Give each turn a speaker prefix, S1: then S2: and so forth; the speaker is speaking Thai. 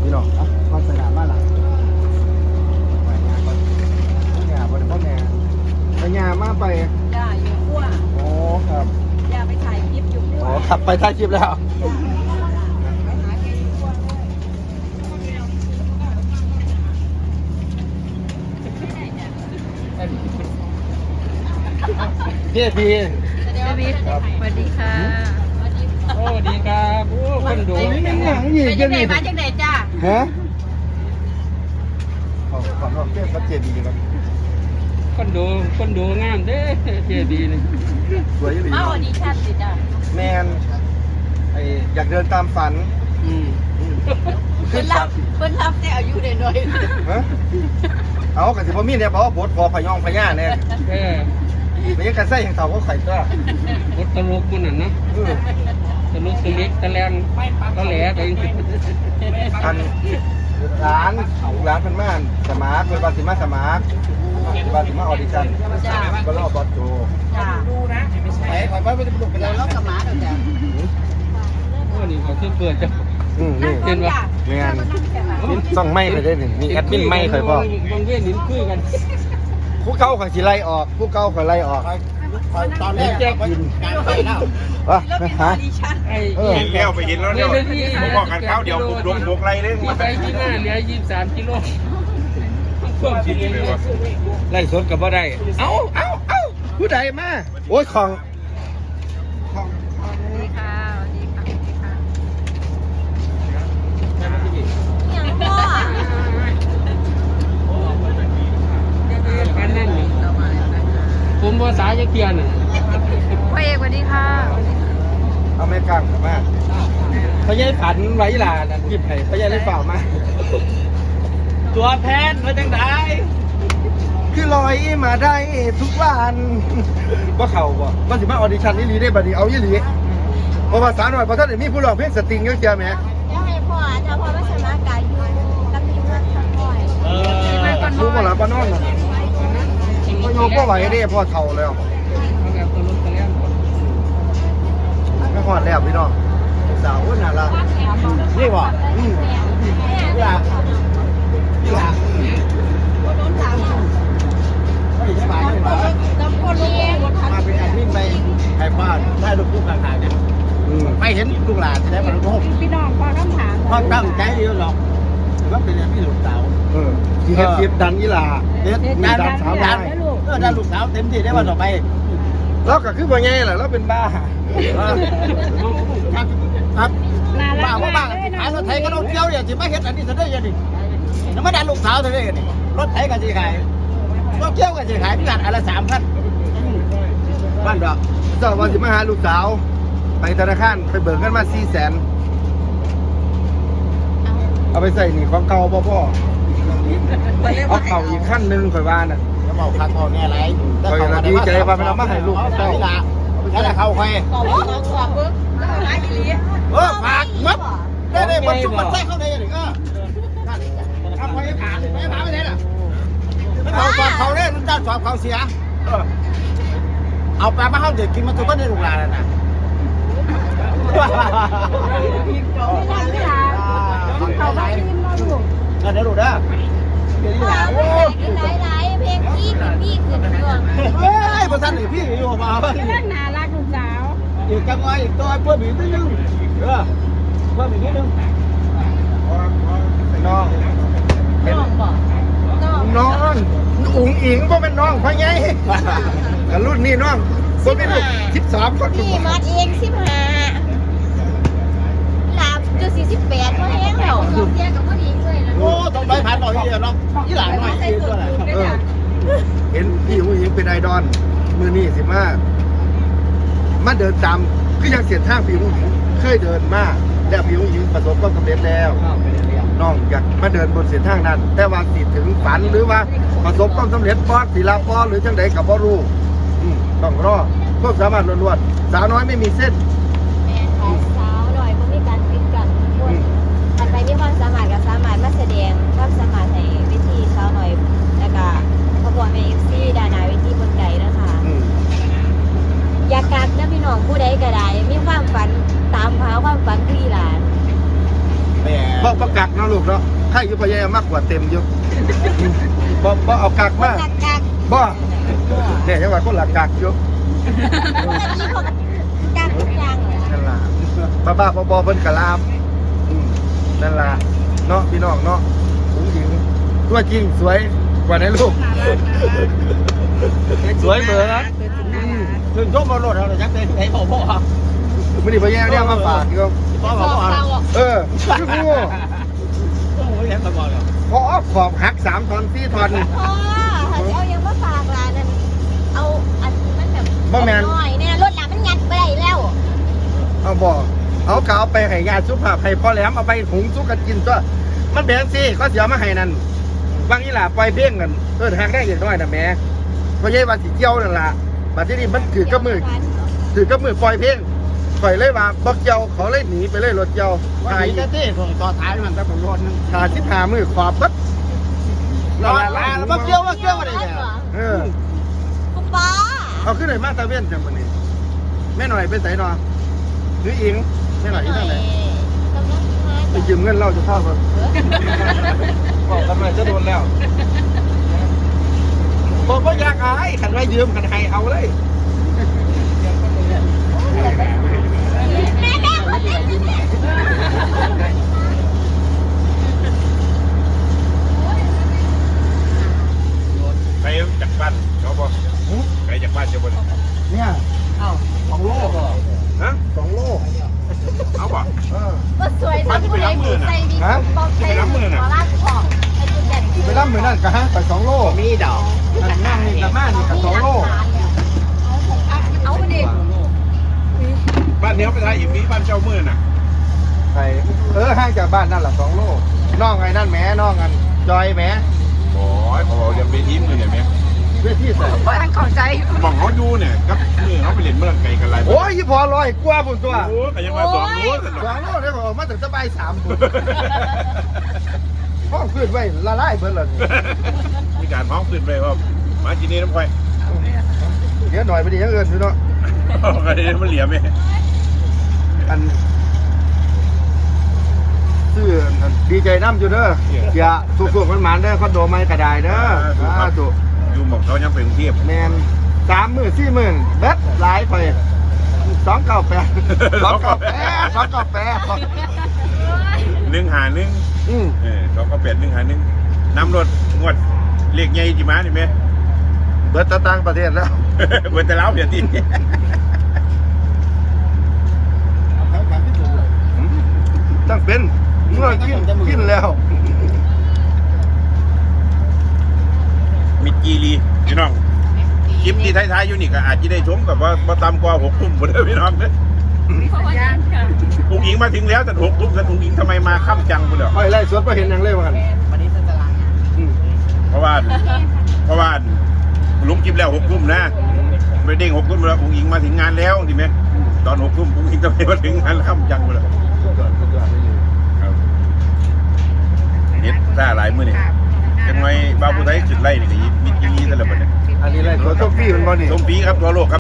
S1: พี่น้องมาสนามบ้านหลังไปงานก่อนงานบริพ่อแม่ไปงานมาไป
S2: จ้าอยู่ขั้ว
S1: โอ้ครับ
S2: อย่าไปถ่ายคลิปอยู่ขั้ว
S1: โอ้ขับไปถ่ายคลิปแล้วพี่พี่
S2: สวัสดีค่ะ
S3: โอ้ดีครับโอ้คนดู
S1: นี่มันหนังอีก
S2: ไปจังไหนมาจังไหนจ้า
S1: ฮะขอรอบเทียบกับเจดีครับ
S3: คนดูงามเด้เจดีเลย
S1: สวยดี
S2: มาออดิชั่นสิจ้า
S1: แมนอยากเดินตามฝัน
S2: เพิ่นรับแต่อายุหน่อย
S1: ฮะเอากระสิบมีเนี่ยเพราะว่าบดพอพยองพญาเนี่ยไม่ยังกันใส่อย่างเต่าก็ไข่ก็
S3: บดตลกมันน่ะนะตลกตะเล็กตะแรงตะแหลไป
S1: อันร้านเป็นม่านสมาร์ทเป็นบาสิมาสมาร์ทเป็นบาสิมาออดิชั่นก็รอบบอสโจ
S2: ดูนะ
S1: ไปขอยไปปลุกไปแล้ว
S2: แล้วกับหมาเดี๋ยวจ้า
S3: โอ้นี่เขาเปิดจ้ะ
S1: เห็นปะงานต้องไม่เคยได้หนึ่งมีแอดมินไม่เคยพ่
S3: อบางเว้นหินคุยกัน
S1: ผู้เก่าขอยสิไล่ออกผู้เก่าขอยไล่ออก
S3: ตอนแรกแจ้งกิน
S1: การไปแล้วฮะ
S4: เห็นแล้วไปเห็นแล้วเนี่ยผมบอกกันข้าวเดียวผมลงบกไรเลย
S3: ไปที่หน้าเหลือ23 กิโลควบคิดเลยว่า
S1: ไล่สดกับว่าได้เอ้าผู้ใดมาโอ้ยของ
S2: สวัสดีค่ะอย่างพ่อ
S3: ผมภาษาจะเกียน
S2: พ่อเอกสวัสดีค่ะ
S1: เอาแม่กลางมาพญายผันไว้ลานั่นหยิบให้พญายได้เปล่ามา
S3: ตัวแพทย์มาจังได
S1: คือลอยมาได้ทุกวันว่าเขาบ่ว่าสิมาออดิชั่นนี่ลีได้บัดนี้เอายี่หลีเพราะภาษาหน่อยเพราะท่านมีผู้ร้องเพลงสตริงเยอะแยะไหม
S2: เดี๋ยวให้พ่อจะพ่อมาสมัครกายอยู่กับทีมงานทั้งหมด
S1: รู้บ่ล่ะป้านอนน่ะพ่อโยก็ไหวได้พ่อเฒ่าแล้วไม่หอดแล้วพี่น้องสาวน่ารักนี่บ่นี่ล่ะนี่ล่ะมาเป็นแอดมินไปไทยบ้านได้ลูกคู่ต่างๆเนี่ยไปเห็นลูกหลานจะได้บรรลุ
S2: พี่น้องพอต้องถาม
S1: พ่อตั้งใจเดียวหรอกแต่ว่าเป็นพี่ลูกสาวที่เก็บดันยี่หล่าดันสาวได้ดันลูกสาวเต็มที่ได้วันต่อไปแล้วก็คือว่าไงล่ะแล้วเป็นบ้าครับบ้าว่าบ้าขายรถไถก็ต้องเที่ยวเนี่ยจะไม่เห็นอันนี้จะได้ยังไงแล้วไม่ดันลูกสาวจะได้ยังไงรถไถกันจะขายรถเที่ยวกันจะขายพิการอะไร3,000บ้านดอกเจ้าวันสิมาหาลูกสาวไปธนาคารไปเบิกเงินมา400,000เอาไปใส่หนีของเก่าพ่อเอาเข่าอีกขั้นหนึ่งข่อยว่าน่ะจะเมาคันพอแน่ไรข่อยดีใจว่ามันเอามาให้ลูกเจ้านั่นแหละเขาใครฝากมัดได้บรรจุมันใส่เข้าในอย่างนี้ก็ทำไปผ่านไปผ่านไม่ได้ล่ะเขาสอบเขาเนี่ยนุ่นจ้าสอบเขาเสียเอาปลามาเข้าเด็กกินมันตัวก็ได้ลูกหลานนะ
S2: เขาไปกินมาลูก
S1: เดี๋ยวดูนะ
S2: หลายเพลงพี่เป็นพี่ขึ้นดวง
S1: เฮ้ยพอท่านหรือพี่อยู่มาเ
S2: รื่องน่ารักลูกสาว
S1: อีกจังไงอีกตัวเพื่อนบีนิดนึงเพื่อนบีนิดนึงน้องน้องอุ๋งอิงก็เป็นน้องเพราะไงรุ่นนี้น้องคนเป็นลูก13คน
S2: พี่มาเอง15หลาบจะ48ก็แห้งแล้วเทียกับผู้หญิงเลยนะ
S1: โอ้ต้องไปผ่านหน่อยเนาะยี่หลานหน่อยเห็นพี่ผู้หญิงเป็นไอดอลมือนี่สิมาเดินตามก็ยังเสียทางพี่ผู้หญิงเคยเดินมาแล้วพี่ผู้หญิงประสบความสำเร็จแล้วน้องอยากมาเดินบนเส้นทางนั้นแต่ว่าสิถึงฝันหรือว่าประสบความสำเร็จปอดศิลาปอหรือจังใดกับพ่อรู้ต้องรอพวกสามารถล้วนๆสาวน้อยไม่มีเส้น
S2: สาวหน่อยมันมีการปิดกันอันไปมีความสามารถกับสามารถมาแสดงความสามารถในวิธีสาวหน่อยแล้วก็ขบวนในFCดานาวิธีบนไก่นะคะอยากกักนะพี่น้องผู้ใดก็ได้มีความฝันตามหาความฝันที่หลาน
S1: บอกประกาศนาะลูกเนาะถ้าอยู่พยายามมากกว่าเต็มอยู่บ่เอากักมา
S2: หลักกัก
S1: บ่เนี่ยจังหวะคนหลักกักอยู่
S2: นี่เขากักทุกอย่างเลย
S1: นั่นล่ะบ้าบอเพิ่นกะลามนั่นล่ะเนาะพี่น้องเนาะผู้หญิงตัวจริงสวยกว่าในรูปสวยเหมือนถึงชมบอลรถเราเลยจักเต้นไอ้พ่อไม่ได้ไปแย่งเนี่ยมาฝากอยู่พ่อคืองูพอขอบหัก3 ท่อน 4 ท่อน
S2: พ่อเอายังมาฝากร้านนั้นเอาอันมันแบบ
S1: บ่แม่น
S2: น้อยเนี่ยรถหลังมันงัดไปได้แล้ว
S1: เอาบ่เอากาวไปให้ยาสุภาพให้พ่อแหลมเอาไปหุงสุกกันกินตัวมันแบ่งสิก็เสียมาให้นั่นบางอีหล่าปล่อยเพลงนั่นหักได้อย่างน้อยนะแม่เพราะยัยว่าสิเกี่ยวนั่นล่ะบัดที่นี่มันถือกับมือปล่อยเพลงปล่อยเลยว่าบักเกี่ยวเขาเลยหนีไปเลยรถเกี่ยวถ่ายที่ต่อท้ายมันแต่ผมรถนึงถ่าย15 มือขอบปั๊บแล้วบักเกี่ยวอะไรเนี่ย
S2: คุณป้า
S1: เอาขึ้นเลยมาตะเวนจังวันนี้แม่หน่อยไปใส่นอหรืออิงแม่หน่อยที่นั่นไหนไปยืมเงินเราจะเข้าก่อนบอกกันมาจะโดนแล้วบอกว่าอยากอายขันไว้ยืมขันให้เอาเลย
S2: แม่คนนี้
S4: ไปจากบ้านเขาบอกไปจากบ้านเจ้าบน
S1: เนี่ย2 โลฮะ2 โล
S4: เอาบ่
S2: ก็สวยทั้งผู้ใดผู้ใส่ดีต้องใส่ขอลาดของไอ้จุดเด่น
S1: ไปรับมือนั่นกะฮะไป2 โลมีดอกอันนั่งนี่กับม่านี่กับ2 โล
S2: เอาดิ
S4: บ้านเนี้ยไปทายอีกมีบ้านเจ้ามือน่ะ
S1: ไปห่างจากบ้านนั่นแหละ2 โลน้องไอ้นั่นแหมน้องกันจอยแหม
S4: โอ้ยเขาบอกจะไปทีมเลยเนี่ยแม่
S1: เพื่อที่ใส่
S4: มองเขาดูเนี่ยกับมือเขาไปเล่นเมื่อไก่กันไร
S1: โอ้ยพอลอยกว่าพุ่นตัว
S4: โอ้ก็ยังมา2 โลสนุก
S1: 2 โลได้ออกมาถึงจะใบ3 พุ่นห้องขึ้นไว้ละลายเพิ่นเลย
S4: มีการพ้องขึ้นไปว่ามาจีนี่น้ำควาย
S1: เดี๋ยวหน่อยไปดีอย่างอื่นดูเนาะ
S4: กันนี้มันเหลี่ยมไหม
S1: อันซื้อดีใจน้ำอยู่เด้ออย่าสุกๆมันหมันเด้อคอนโดไม่กระไดเด้อถูก
S4: อยู่หมอกเขายังเป็นเทียบ
S1: แมน3 มื้อ 4 มื้อเบ็ดหลายไป298
S4: 151เขาก็เป็ด151น้ำรถงวดเรียกใหญ่จีมานี่ไหม
S1: เบิดต่างประเทศแล้ว
S4: เบิดแต่แล้วเดี๋ยวที่
S1: ตั้งเป็นเมื่อกินแล้ว
S4: มิดจีรีพี่น้องคลิปที่ท้ายๆอยู่นี่ก็อาจจะได้ชมกับว่าบ่ต่ำกว่า6 ทุ่มหมดเลยพี่น้องเนี่ยอุ้งอิงมาถึงแล้วแต่6 ทุ่มแต่อุ้งอิงทำไมมาค่ำจังไปเลย
S1: ไปไล่สวนไปเห็นยังเล่ว่ากัน
S4: เพราะว่าลุกคลิปแล้ว6 ทุ่มนะไม่เด้ง6 ทุ่มแล้วอุ้งอิงมาถึงงานแล้วดีไหมตอน6 ทุ่มอุ้งอิงทำไมมาถึงงานค่ำจังไปเลยเน็ตซ่าหลายมื้อนี่จังไงบาวผู้ไทยจุดไล่นี่ก็มิดจีรีซะแล้วบัดนี้
S1: อันนี้ไล่สวนโซฟี่มันบ่นี่
S4: ส้มปีครับทั่วโลกครับ